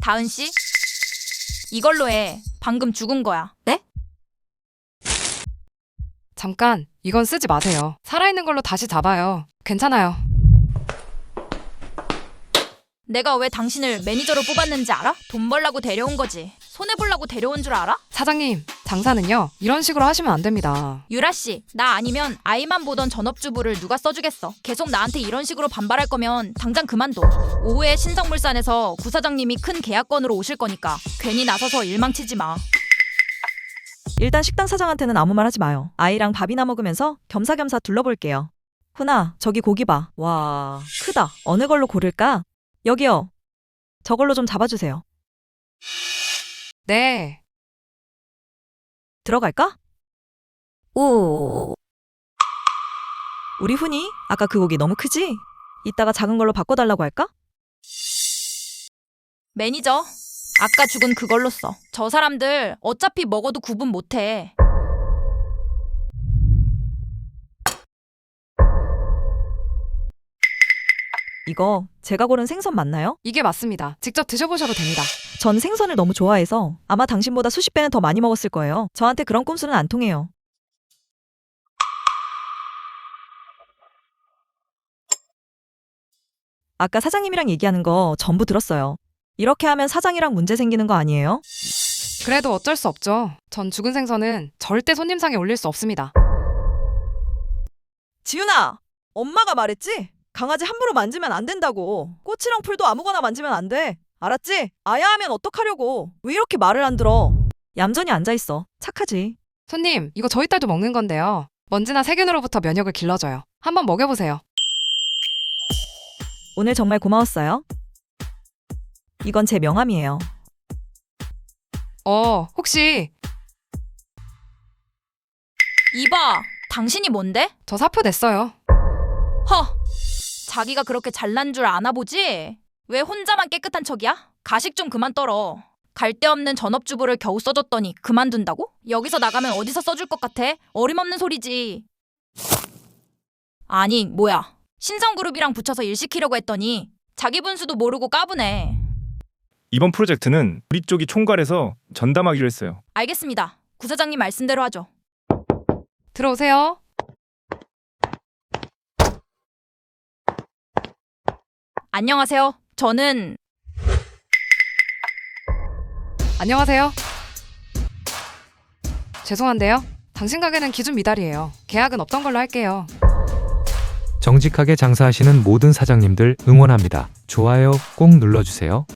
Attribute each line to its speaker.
Speaker 1: 다은 씨? 이걸로 해. 방금 죽은 거야.
Speaker 2: 네?
Speaker 3: 잠깐, 이건 쓰지 마세요. 살아있는 걸로 다시 잡아요. 괜찮아요.
Speaker 1: 내가 왜 당신을 매니저로 뽑았는지 알아? 돈 벌라고 데려온 거지. 손해보려고 데려온 줄 알아?
Speaker 3: 사장님, 장사는요, 이런 식으로 하시면 안 됩니다.
Speaker 1: 유라 씨, 나 아니면 아이만 보던 전업주부를 누가 써주겠어. 계속 나한테 이런 식으로 반발할 거면 당장 그만둬. 오후에 신성물산에서 구사장님이 큰 계약건으로 오실 거니까 괜히 나서서 일망치지 마.
Speaker 2: 일단 식당 사장한테는 아무 말 하지 마요. 아이랑 밥이나 먹으면서 겸사겸사 둘러볼게요. 훈아, 저기 고기 봐. 와, 크다. 어느 걸로 고를까? 여기요. 저걸로 좀 잡아주세요.
Speaker 3: 네.
Speaker 2: 들어갈까? 오. 우리 훈이 아까 그 고기 너무 크지? 이따가 작은 걸로 바꿔달라고 할까?
Speaker 1: 매니저, 아까 죽은 그걸로 써. 저 사람들 어차피 먹어도 구분 못해.
Speaker 2: 이거 제가 고른 생선 맞나요?
Speaker 3: 이게 맞습니다. 직접 드셔보셔도 됩니다.
Speaker 2: 전 생선을 너무 좋아해서 아마 당신보다 수십 배는 더 많이 먹었을 거예요. 저한테 그런 꼼수는 안 통해요. 아까 사장님이랑 얘기하는 거 전부 들었어요. 이렇게 하면 사장이랑 문제 생기는 거 아니에요?
Speaker 3: 그래도 어쩔 수 없죠. 전 죽은 생선은 절대 손님상에 올릴 수 없습니다.
Speaker 2: 지윤아! 엄마가 말했지? 강아지 함부로 만지면 안 된다고. 꽃이랑 풀도 아무거나 만지면 안 돼. 알았지? 아야 하면 어떡하려고. 왜 이렇게 말을 안 들어? 얌전히 앉아있어. 착하지.
Speaker 3: 손님, 이거 저희 딸도 먹는 건데요. 먼지나 세균으로부터 면역을 길러줘요. 한번 먹여보세요.
Speaker 2: 오늘 정말 고마웠어요. 이건 제 명함이에요.
Speaker 3: 혹시
Speaker 1: 이봐, 당신이 뭔데?
Speaker 3: 저 사표 냈어요.
Speaker 1: 허! 자기가 그렇게 잘난 줄 아나 보지? 왜 혼자만 깨끗한 척이야? 가식 좀 그만 떨어. 갈데 없는 전업주부를 겨우 써줬더니 그만둔다고? 여기서 나가면 어디서 써줄 것 같아? 어림없는 소리지. 아니, 뭐야. 신성그룹이랑 붙여서 일 시키려고 했더니 자기 분수도 모르고 까부네.
Speaker 4: 이번 프로젝트는 우리 쪽이 총괄해서 전담하기로 했어요.
Speaker 1: 알겠습니다. 구사장님 말씀대로 하죠.
Speaker 3: 들어오세요.
Speaker 1: 안녕하세요. 저는
Speaker 3: 안녕하세요. 죄송한데요. 당신 가게는 기준 미달이에요. 계약은 없던 걸로 할게요.
Speaker 5: 정직하게 장사하시는 모든 사장님들 응원합니다. 좋아요 꼭 눌러주세요.